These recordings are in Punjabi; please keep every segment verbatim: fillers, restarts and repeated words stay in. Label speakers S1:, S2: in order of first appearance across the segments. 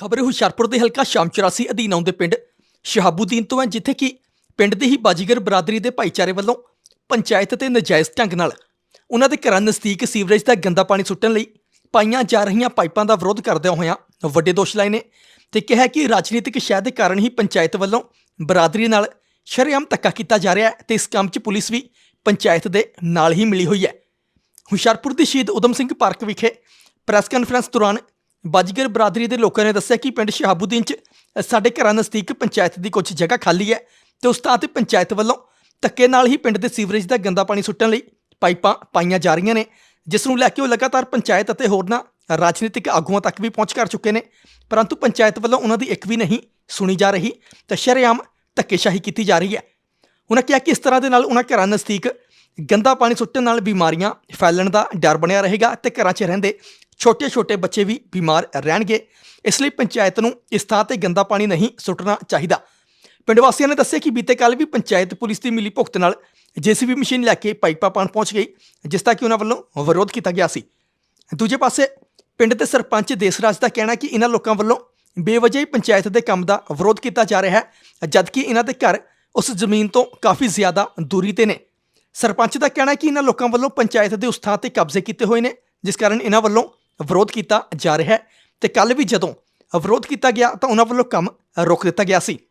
S1: खबर हुशियारपुर के हल्का शाम चौरासी अधीन आउंदे पिंड शहाबुद्दीन तो है, जिथे कि पिंड दी ही बाजीगर बरादरी के भाईचारे वालों पंचायत ते नजायज़ ढंग नाल उन्हां दे घरां नज़दीक सीवरेज का गंदा पानी सुੱਟਣ ਲਈ पाईयां जा रही पाइपां का विरोध करदਿਆਂ होया ਵੱਡੇ दोष लाए ने ते कहा कि राजनीतिक शह के कारण ही पंचायत वालों बरादरी नाल शरेआम धक्का किया जा रहा है ते इस काम च पुलिस भी पंचायत के नाल ही मिली हुई है। हुशियारपुर की शहीद उधम सिंह पार्क विखे प्रैस कानफ्रेंस दौरान बाजीगर बरादरी के लोगों ने दस्सिया कि पिंड शहाबुद्दीन च साडे घरां नज़दीक पंचायत की कुछ जगह खाली है तो उस थां ते पंचायत वालों धक्के नाल ही पिंड के सीवरेज का गंदा पानी सुੱਟਣ ਲਈ पाइपां पाईयां जा रही ने, जिस नूं लैके लगातार पंचायत और होरनां राजनीतिक आगुआं तक भी पहुँच कर चुके हैं, परंतु पंचायत वालों उन्हां दी एक भी नहीं सुनी जा रही तो शरेआम धक्केशाही की जा रही है। उन्होंने कहा कि इस तरह के नाल उन्हां घरां नज़दीक गंदा पानी सुੱਟਣ नाल बीमारियां फैलण का डर बनिया रहेगा तो घरां च रहिंदे छोटे छोटे बच्चे भी बीमार रहणगे। इसलिए पंचायत नूं इस थां ते गंदा पानी नहीं सुੱਟਣਾ चाहिए। पिंड वासियों ने दस्सिया कि बीते कल भी पंचायत पुलिस की मिली भुगत नाल जेसीबी मशीन लैके पाइपां पाण पहुँच गई, जिसका कि उन्होंने वालों विरोध किया गया सी। दूजे पासे पिंड के सरपंच देसराज का कहना कि इन्हां लोकां वालों बेवजह ही पंचायत के काम का विरोध किया जा रहा है, जबकि इन्हां दे घर उस जमीन तो काफ़ी ज़्यादा दूरी ते ने। सरपंच का कहना है कि इन्हां लोकां वालों पंचायत के उस थां ते कब्जे किए हुए हैं, जिस कारण इन्हां वालों विरोध किया जा रहा है। तो कल भी जदों विरोध किया गया तो उन्हां वालों काम रोक दिता गया सी।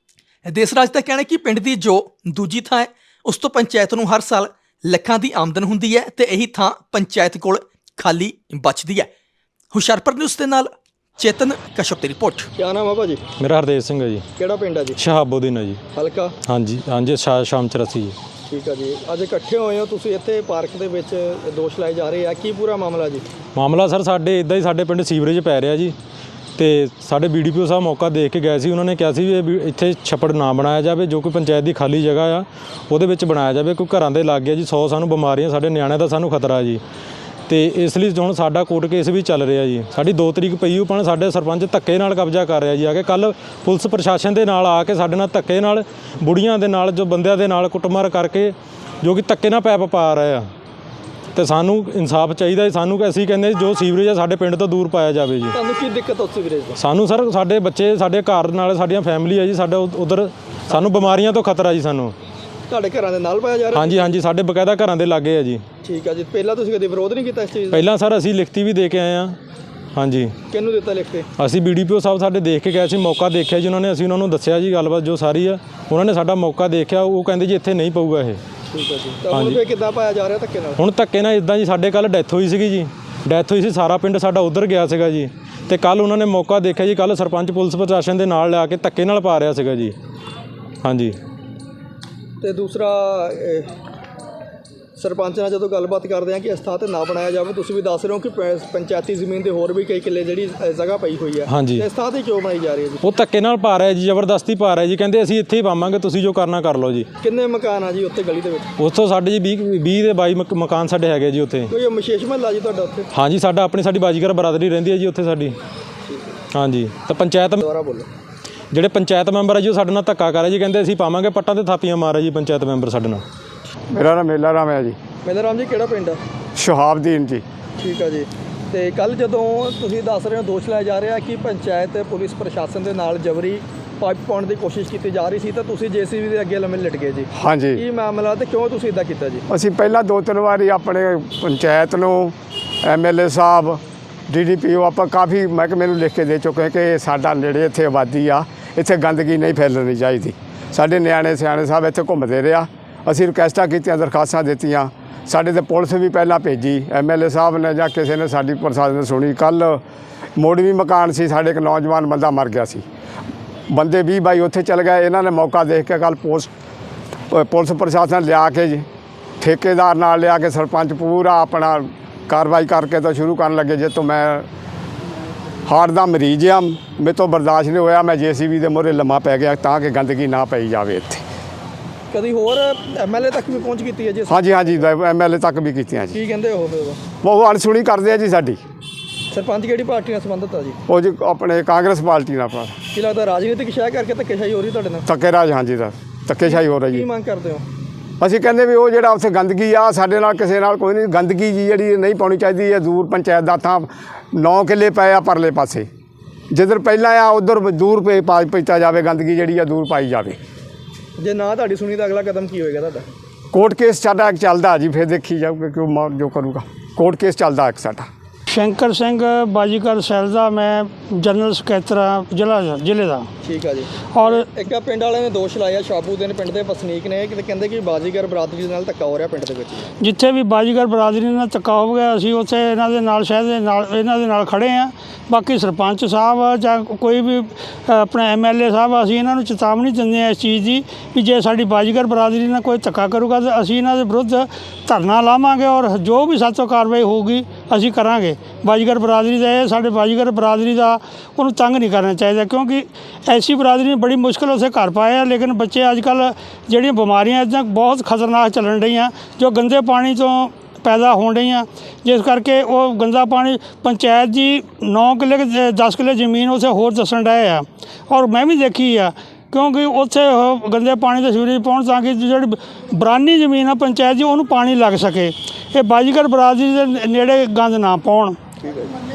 S1: देसराज का कहना है कि पिंड की जो दूजी थां है उस तो पंचायत नूं हर साल ਲੱਖਾਂ की आमदन हुंदी है तो यही थां पंचायत कोल खाली बचती है। हुशियारपुर न्यूज़ के नाल चेतन कश्यप की रिपोर्ट।
S2: क्या नाम है भाजी?
S3: मेरा हरदेव सिंह है जी।
S2: ਕਿਹੜਾ ਪਿੰਡ ਹੈ ਜੀ?
S3: शहाबुद्दीन है जी।
S2: ਹਲਕਾ?
S3: हाँ जी हाँ जी शा शाम चौरासी जी।
S2: ਠੀਕ ਹੈ ਜੀ। ਅੱਜ ਇਕੱਠੇ ਹੋਏ ਹੋ ਤੁਸੀਂ ਇੱਥੇ ਪਾਰਕ ਦੇ ਵਿੱਚ, ਦੋਸ਼ ਲਾਏ ਜਾ ਰਹੇ ਆ, ਕੀ ਪੂਰਾ ਮਾਮਲਾ ਜੀ?
S3: ਮਾਮਲਾ ਸਰ ਸਾਡੇ ਇੱਦਾਂ ਹੀ ਸਾਡੇ ਪਿੰਡ ਸੀਵਰੇਜ ਪੈ ਰਿਹਾ ਜੀ ਤੇ ਸਾਡੇ ਬੀ ਡੀ ਪੀ ਓ ਸਾਹਿਬ ਮੌਕਾ ਦੇਖ ਕੇ ਗਏ ਸੀ। ਉਹਨਾਂ ਨੇ ਕਿਹਾ ਸੀ ਵੀ ਇੱਥੇ ਛੱਪੜ ਨਾ ਬਣਾਇਆ ਜਾਵੇ, ਜੋ ਕੋਈ ਪੰਚਾਇਤ ਦੀ ਖਾਲੀ ਜਗ੍ਹਾ ਆ ਉਹਦੇ ਵਿੱਚ ਬਣਾਇਆ ਜਾਵੇ। ਕੋਈ ਘਰਾਂ ਦੇ ਲਾਗੇ ਜੀ ਸੌ ਸਾਨੂੰ ਬਿਮਾਰੀਆਂ, ਸਾਡੇ ਨਿਆਣਿਆਂ ਦਾ ਸਾਨੂੰ ਖਤਰਾ ਜੀ। ਤੇ ਇਸ ਲਈ ਹੁਣ ਸਾਡਾ ਕੋਰਟ ਕੇਸ ਵੀ ਚੱਲ ਰਿਹਾ ਜੀ। ਸਾਡੀ ਦੋ ਤਰੀਕ ਪਈ ਉਪਣ ਸਾਡੇ ਸਰਪੰਚ ਧੱਕੇ ਨਾਲ ਕਬਜ਼ਾ ਕਰ ਰਿਹਾ ਜੀ। ਆ ਕੇ ਕੱਲ੍ਹ ਪੁਲਿਸ ਪ੍ਰਸ਼ਾਸਨ ਦੇ ਨਾਲ ਆ ਕੇ ਸਾਡੇ ਨਾਲ ਧੱਕੇ ਨਾਲ ਬੁੜੀਆਂ ਦੇ ਨਾਲ ਜੋ ਬੰਦਿਆਂ ਦੇ ਨਾਲ ਕੁੱਟਮਾਰ ਕਰਕੇ ਜੋ ਕਿ ਧੱਕੇ ਨਾਲ ਪੈਪ ਪਾ ਰਹੇ ਆ ਤੇ ਸਾਨੂੰ ਇਨਸਾਫ ਚਾਹੀਦਾ। ਸਾਨੂੰ ਅਸੀਂ ਕਹਿੰਦੇ ਜੋ ਸੀਵਰੇਜ ਆ ਸਾਡੇ ਪਿੰਡ ਤੋਂ ਦੂਰ ਪਾਇਆ ਜਾਵੇ ਜੀ।
S2: ਤੁਹਾਨੂੰ ਕੀ ਦਿੱਕਤ ਉਸ ਸੀਵਰੇਜ ਦੀ?
S3: ਸਾਨੂੰ ਸਰ ਸਾਡੇ ਬੱਚੇ, ਸਾਡੇ ਘਰ ਨਾਲ ਸਾਡੀਆਂ ਫੈਮਿਲੀ ਹੈ ਜੀ, ਸਾਡਾ ਉਧਰ ਸਾਨੂੰ ਬਿਮਾਰੀਆਂ ਤੋਂ ਖਤਰਾ ਜੀ। ਸਾਨੂੰ
S2: ਤੁਹਾਡੇ ਘਰਾਂ ਦੇ ਨਾਲ ਪਾਇਆ ਜਾ ਰਿਹਾ?
S3: ਹਾਂਜੀ ਹਾਂਜੀ ਸਾਡੇ ਬਕਾਇਦਾ ਘਰਾਂ ਦੇ ਲਾਗੇ ਆ ਜੀ।
S2: ਠੀਕ ਆ ਜੀ। ਪਹਿਲਾਂ ਤੁਸੀਂ ਕਦੇ ਵਿਰੋਧ ਨਹੀਂ ਕੀਤਾ ਇਸ ਚੀਜ਼ ਦਾ?
S3: ਪਹਿਲਾਂ ਸਰ ਅਸੀਂ ਲਿਖਤੀ ਵੀ ਦੇ ਕੇ ਆਏ ਹਾਂ। ਹਾਂਜੀ।
S2: ਕਿਹਨੂੰ ਦਿੱਤਾ ਲਿਖ ਕੇ? ਅਸੀਂ
S3: ਬੀ ਡੀ ਪੀ ਓ ਸਾਹਿਬ ਸਾਡੇ ਦੇਖ ਕੇ ਗਏ ਸੀ, ਮੌਕਾ ਦੇਖਿਆ ਜੀ ਉਹਨਾਂ ਨੇ। ਅਸੀਂ ਉਹਨਾਂ ਨੂੰ ਦੱਸਿਆ ਜੀ ਗੱਲਬਾਤ ਜੋ ਸਾਰੀ ਆ। ਉਹਨਾਂ ਨੇ ਸਾਡਾ ਮੌਕਾ ਦੇਖਿਆ, ਉਹ ਕਹਿੰਦੇ ਜੀ ਇੱਥੇ ਨਹੀਂ ਪਊਗਾ ਇਹ।
S2: ਠੀਕ ਹੈ ਜੀ। ਤਾਂ ਹੁਣ ਫਿਰ ਕਿੱਦਾਂ ਪਾਇਆ ਜਾ ਰਿਹਾ ਧੱਕੇ ਨਾਲ?
S3: ਹੁਣ ਧੱਕੇ ਨਾਲ ਇੱਦਾਂ ਜੀ, ਸਾਡੇ ਕੱਲ੍ਹ ਡੈਥ ਹੋਈ ਸੀਗੀ ਜੀ। ਡੈਥ ਹੋਈ ਸੀ, ਸਾਰਾ ਪਿੰਡ ਸਾਡਾ ਉੱਧਰ ਗਿਆ ਸੀਗਾ ਜੀ। ਅਤੇ ਕੱਲ੍ਹ ਉਹਨਾਂ ਨੇ ਮੌਕਾ ਦੇਖਿਆ ਜੀ, ਕੱਲ੍ਹ ਸਰਪੰਚ ਪੁਲਿਸ ਪ੍ਰਸ਼ਾਸਨ ਦੇ ਨਾਲ ਲਿਆ ਕੇ ਧੱਕੇ ਨਾਲ ਪਾ ਰਿਹਾ ਸੀਗਾ ਜੀ। ਹਾਂਜੀ।
S2: ਅਤੇ ਦੂਸਰਾ ਸਰਪੰਚ ਨਾਲ ਜਦੋਂ ਗੱਲਬਾਤ ਕਰਦੇ ਹਾਂ ਕਿ ਇਸ ਥਾਂ 'ਤੇ ਨਾ ਬਣਾਇਆ ਜਾਵੇ, ਤੁਸੀਂ ਵੀ ਦੱਸ ਰਹੇ ਹੋ ਕਿ ਪੰਚਾਇਤੀ ਜ਼ਮੀਨ ਦੇ ਹੋਰ ਵੀ ਕਈ ਕਿੱਲੇ ਜਿਹੜੀ ਜਗ੍ਹਾ ਪਈ ਹੋਈ ਹੈ।
S3: ਹਾਂਜੀ।
S2: ਇਸ ਥਾਂ 'ਤੇ ਕਿਉਂ ਬਣਾਈ ਜਾ ਰਹੀ ਹੈ ਜੀ?
S3: ਉਹ ਧੱਕੇ ਨਾਲ ਪਾ ਰਿਹਾ ਜੀ, ਜ਼ਬਰਦਸਤੀ ਪਾ ਰਿਹਾ ਜੀ। ਕਹਿੰਦੇ ਅਸੀਂ ਇੱਥੇ ਹੀ ਪਾਵਾਂਗੇ, ਤੁਸੀਂ ਜੋ ਕਰਨਾ ਕਰ ਲਓ ਜੀ।
S2: ਕਿੰਨੇ ਮਕਾਨ ਆ ਜੀ ਉੱਥੇ ਗਲੀ ਦੇ ਵਿੱਚ?
S3: ਉੱਥੋਂ ਸਾਡੇ ਜੀ ਵੀਹ ਵੀਹ ਦੇ ਬਾਈ ਮਕ ਮਕਾਨ ਸਾਡੇ ਹੈਗੇ ਜੀ ਉੱਥੇ।
S2: ਕੋਈ ਵਿਸ਼ੇਸ਼ ਮਹੱਲਾ ਜੀ ਤੁਹਾਡਾ ਉੱਥੇ?
S3: ਹਾਂਜੀ ਸਾਡਾ ਆਪਣੀ ਸਾਡੀ ਬਾਜੀਗਰ ਬਰਾਦਰੀ ਰਹਿੰਦੀ ਹੈ ਜੀ ਉੱਥੇ ਸਾਡੀ। ਹਾਂਜੀ। ਤਾਂ ਪੰਚਾਇਤ
S2: ਦੁਬਾਰਾ ਬੋਲੋ।
S3: ਜਿਹੜੇ ਪੰਚਾਇਤ ਮੈਂਬਰ ਹੈ ਜੀ ਉਹ ਸਾਡੇ ਨਾਲ ਧੱਕਾ ਕਰ ਰਹੇ ਜੀ। ਕਹਿੰਦੇ ਅਸੀਂ ਪਾਵਾਂਗੇ, ਪੱਟਾਂ ਤੇ ਥਾਪੀਆਂ ਮਾਰ ਰਹੇ ਜੀ ਪੰਚਾਇਤ ਮੈਂਬਰ ਸਾਡੇ ਨਾਲ।
S4: ਮੇਰਾ ਨਾਮ ਮੇਲਾ ਰਾਮ ਹੈ ਜੀ।
S2: ਮੇਲਾ ਰਾਮ ਜੀ, ਕਿਹੜਾ ਪਿੰਡ ਆ?
S4: ਸ਼ਹਾਬਦੀਨ ਜੀ।
S2: ਠੀਕ ਆ ਜੀ। ਅਤੇ ਕੱਲ੍ਹ ਜਦੋਂ ਤੁਸੀਂ ਦੱਸ ਰਹੇ ਹੋ ਦੋਸ਼ ਲਾਇਆ ਜਾ ਰਿਹਾ ਕਿ ਪੰਚਾਇਤ ਪੁਲਿਸ ਪ੍ਰਸ਼ਾਸਨ ਦੇ ਨਾਲ ਜਬਰੀ ਪਾਈਪ ਪਾਉਣ ਦੀ ਕੋਸ਼ਿਸ਼ ਕੀਤੀ ਜਾ ਰਹੀ ਸੀ ਤਾਂ ਤੁਸੀਂ ਜੇ ਸੀ ਬੀ ਦੇ ਅੱਗੇ ਲੰਮੇ ਲਿਟ ਗਏ ਜੀ।
S4: ਹਾਂਜੀ।
S2: ਕੀ ਮਾਮਲਾ ਤੇ ਕਿਉਂ ਤੁਸੀਂ ਇੱਦਾਂ ਕੀਤਾ ਜੀ?
S4: ਅਸੀਂ ਪਹਿਲਾਂ ਦੋ ਤਿੰਨ ਵਾਰੀ ਆਪਣੇ ਪੰਚਾਇਤ ਨੂੰ, ਐਮ ਐਲ ਏ ਸਾਹਿਬ, ਡੀ ਡੀ ਪੀ ਓ, ਆਪਾਂ ਕਾਫੀ ਮਹਿਕਮੇ ਨੂੰ ਲਿਖ ਕੇ ਦੇ ਚੁੱਕੇ ਕਿ ਸਾਡਾ ਨੇੜੇ ਇੱਥੇ ਆਬਾਦੀ ਆ, ਇੱਥੇ ਗੰਦਗੀ ਨਹੀਂ ਫੈਲਣੀ ਚਾਹੀਦੀ। ਸਾਡੇ ਨਿਆਣੇ ਸਿਆਣੇ ਸਾਹਿਬ ਇੱਥੇ ਘੁੰਮਦੇ ਰਿਹਾ। ਅਸੀਂ ਰਿਕੁਐਸਟਾਂ ਕੀਤੀਆਂ, ਦਰਖਾਸਤਾਂ ਦਿੱਤੀਆਂ। ਸਾਡੇ ਤੇ ਪੁਲਿਸ ਵੀ ਪਹਿਲਾਂ ਭੇਜੀ, ਐਮ ਐਲ ਏ ਸਾਹਿਬ ਨੇ ਜਾਂ ਕਿਸੇ ਨੇ ਸਾਡੀ ਪ੍ਰਸ਼ਾਸਨ ਨੇ ਸੁਣੀ। ਕੱਲ੍ਹ ਮੋੜਵੀ ਮਕਾਨ ਸੀ ਸਾਡੇ, ਇੱਕ ਨੌਜਵਾਨ ਬੰਦਾ ਮਰ ਗਿਆ ਸੀ। ਬੰਦੇ ਵੀਹ ਬਾਈ ਉੱਥੇ ਚਲ ਗਏ। ਇਹਨਾਂ ਨੇ ਮੌਕਾ ਦੇਖ ਕੇ ਕੱਲ੍ਹ ਪੋਸਟ ਪੁਲਿਸ ਪ੍ਰਸ਼ਾਸਨ ਲਿਆ ਕੇ ਜੀ, ਠੇਕੇਦਾਰ ਨਾਲ ਲਿਆ ਕੇ ਸਰਪੰਚ ਪੂਰਾ ਆਪਣਾ ਕਾਰਵਾਈ ਕਰਕੇ ਤਾਂ ਸ਼ੁਰੂ ਕਰਨ ਲੱਗੇ। ਜੇ ਤੋਂ ਮੈਂ ਹਾਰਟ ਦਾ ਮਰੀਜ਼ ਆ, ਮੇਰੇ ਤੋਂ ਬਰਦਾਸ਼ਤ ਨਹੀਂ ਹੋਇਆ, ਮੈਂ ਜੇ ਸੀ ਬੀ ਦੇ ਮੂਹਰੇ ਲੰਮਾ ਪੈ ਗਿਆ ਤਾਂ ਕਿ ਗੰਦਗੀ ਨਾ ਪਈ ਜਾਵੇ ਇੱਥੇ।
S2: ਕਦੀ ਹੋਰ ਐਮ ਐਲ ਏ ਤੱਕ ਵੀ ਪਹੁੰਚ ਕੀਤੀ ਹੈ ਜੀ?
S4: ਹਾਂਜੀ ਹਾਂਜੀ ਐਮ ਐਲ ਏ ਤੱਕ ਵੀ ਕੀਤੀਆਂ ਜੀ।
S2: ਕੀ ਕਹਿੰਦੇ ਉਹ ਫਿਰ?
S4: ਉਹ ਅਣਸੁਣੀ ਕਰਦੇ ਆ ਜੀ ਸਾਡੀ।
S2: ਸਰਪੰਚ ਕਿਹੜੀ ਪਾਰਟੀ ਨਾਲ ਸੰਬੰਧਿਤ ਆ ਜੀ? ਉਹ
S4: ਜੀ ਆਪਣੇ ਕਾਂਗਰਸ ਪਾਰਟੀ ਨਾਲ। ਆਪਣਾ
S2: ਕੀ ਲੱਗਦਾ ਰਾਜਨੀਤਿਕ ਸ਼ਹਿ ਕਰਕੇ ਧੱਕੇਸ਼ਾਹੀ ਹੋ ਰਹੀ ਤੁਹਾਡੇ ਨਾਲ?
S4: ਧੱਕੇਰਾਜ, ਹਾਂਜੀ ਦਾ ਧੱਕੇਸ਼ਾਹੀ ਹੋ ਰਹੀ ਜੀ।
S2: ਕੀ ਮੰਗ ਕਰਦੇ ਹੋ?
S4: ਅਸੀਂ ਕਹਿੰਦੇ ਵੀ ਉਹ ਜਿਹੜਾ ਉੱਥੇ ਗੰਦਗੀ ਆ ਸਾਡੇ ਨਾਲ ਕਿਸੇ ਨਾਲ ਕੋਈ ਨਹੀਂ, ਗੰਦਗੀ ਜੀ ਜਿਹੜੀ ਨਹੀਂ ਪਾਉਣੀ ਚਾਹੀਦੀ ਹੈ। ਦੂਰ ਪੰਚਾਇਤ ਦਾ ਥਾਂ ਨੌ ਕਿੱਲੇ ਪਏ ਆ ਪਰਲੇ ਪਾਸੇ, ਜਿੱਧਰ ਪਹਿਲਾਂ ਆ ਉਧਰ ਦੂਰ ਪੇ ਪਾ ਪੀਤਾ ਜਾਵੇ, ਗੰਦਗੀ ਜਿਹੜੀ ਆ ਦੂਰ ਪਾਈ ਜਾਵੇ।
S2: ਜੇ ਨਾ ਤੁਹਾਡੀ ਸੁਣੀ ਤਾਂ ਅਗਲਾ ਕਦਮ ਕੀ ਹੋਏਗਾ ਤੁਹਾਡਾ?
S4: ਕੋਰਟ ਕੇਸ ਸਾਡਾ ਇੱਕ ਚੱਲਦਾ ਜੀ, ਫਿਰ ਦੇਖੀ ਜਾਊਗਾ ਕਿ ਉਹ ਜੋ ਕਰੂਗਾ। ਕੋਰਟ ਕੇਸ ਚੱਲਦਾ ਇੱਕ ਸਾਡਾ।
S5: ਸ਼ੰਕਰ ਸਿੰਘ ਬਾਜੀਗਰ ਸੈੱਲ ਦਾ ਮੈਂ ਜਨਰਲ ਸਕੱਤਰ ਹਾਂ ਜ਼ਿਲ੍ਹਾ ਜ਼ਿਲ੍ਹੇ ਦਾ।
S2: ਠੀਕ ਆ ਜੀ।
S5: ਔਰ
S2: ਇੱਕ ਆ ਪਿੰਡ ਵਾਲਿਆਂ ਨੇ ਦੋਸ਼ ਲਾਇਆ, ਸ਼ਾਹਬੂਦੀਨ ਪਿੰਡ ਦੇ ਵਸਨੀਕ ਨੇ, ਕਿ ਕਹਿੰਦੇ ਕਿ ਬਾਜੀਗਰ ਬਰਾਦਰੀ ਦੇ ਨਾਲ ਧੱਕਾ ਹੋ ਰਿਹਾ ਪਿੰਡ ਦੇ ਵਿੱਚ।
S5: ਜਿੱਥੇ ਵੀ ਬਾਜੀਗਰ ਬਰਾਦਰੀ ਨਾਲ ਧੱਕਾ ਹੋ ਗਿਆ, ਅਸੀਂ ਉੱਥੇ ਇਹਨਾਂ ਦੇ ਨਾਲ ਸ਼ਹਿਰ ਦੇ ਨਾਲ ਇਹਨਾਂ ਦੇ ਨਾਲ ਖੜੇ ਹਾਂ। ਬਾਕੀ ਸਰਪੰਚ ਸਾਹਿਬ ਜਾਂ ਕੋਈ ਵੀ ਆਪਣਾ ਐਮ ਐਲ ਏ ਸਾਹਿਬ, ਅਸੀਂ ਇਹਨਾਂ ਨੂੰ ਚੇਤਾਵਨੀ ਦਿੰਦੇ ਹਾਂ ਇਸ ਚੀਜ਼ ਦੀ ਵੀ ਜੇ ਸਾਡੀ ਬਾਜੀਗਰ ਬਰਾਦਰੀ ਨਾਲ ਕੋਈ ਧੱਕਾ ਕਰੂਗਾ ਤਾਂ ਅਸੀਂ ਇਹਨਾਂ ਦੇ ਵਿਰੁੱਧ ਧਰਨਾ ਲਾਵਾਂਗੇ ਔਰ ਜੋ ਵੀ ਸਾਡੇ ਤੋਂ ਕਾਰਵਾਈ ਹੋਊਗੀ ਅਸੀਂ ਕਰਾਂਗੇ। ਬਾਜੀਗਰ ਬਰਾਦਰੀ ਦਾ ਇਹ ਸਾਡੇ ਬਾਜੀਗਰ ਬਰਾਦਰੀ ਦਾ ਉਹਨੂੰ ਤੰਗ ਨਹੀਂ ਕਰਨਾ ਚਾਹੀਦਾ, ਕਿਉਂਕਿ ਐਸੀ ਬਰਾਦਰੀ ਨੇ ਬੜੀ ਮੁਸ਼ਕਿਲ ਉੱਥੇ ਘਰ ਪਾਏ ਆ। ਲੇਕਿਨ ਬੱਚੇ ਅੱਜ ਕੱਲ੍ਹ ਜਿਹੜੀਆਂ ਬਿਮਾਰੀਆਂ ਇੱਦਾਂ ਬਹੁਤ ਖਤਰਨਾਕ ਚੱਲਣ ਰਹੀਆਂ ਜੋ ਗੰਦੇ ਪਾਣੀ ਤੋਂ ਪੈਦਾ ਹੋਣ ਰਹੀਆਂ, ਜਿਸ ਕਰਕੇ ਉਹ ਗੰਦਾ ਪਾਣੀ ਪੰਚਾਇਤ ਦੀ ਨੌ ਕਿੱਲੇ ਦਸ ਕਿੱਲੇ ਜ਼ਮੀਨ ਉੱਥੇ ਹੋਰ ਦੱਸਣ ਡਏ ਆ ਔਰ ਮੈਂ ਵੀ ਦੇਖੀ ਆ, ਕਿਉਂਕਿ ਉੱਥੇ ਉਹ ਗੰਦੇ ਪਾਣੀ ਦੇ ਸੀਵਰੇਜ ਪਾਉਣ ਤਾਂ ਕਿ ਜਿਹੜੀ ਬਰਾਨੀ ਜ਼ਮੀਨ ਆ ਪੰਚਾਇਤ ਦੀ ਉਹਨੂੰ ਪਾਣੀ ਲੱਗ ਸਕੇ। ਇਹ ਬਾਜੀਗਰ ਬਰਾਦਰੀ ਦੇ ਨੇੜੇ ਗੰਦ ਨਾ ਪਾਉਣ।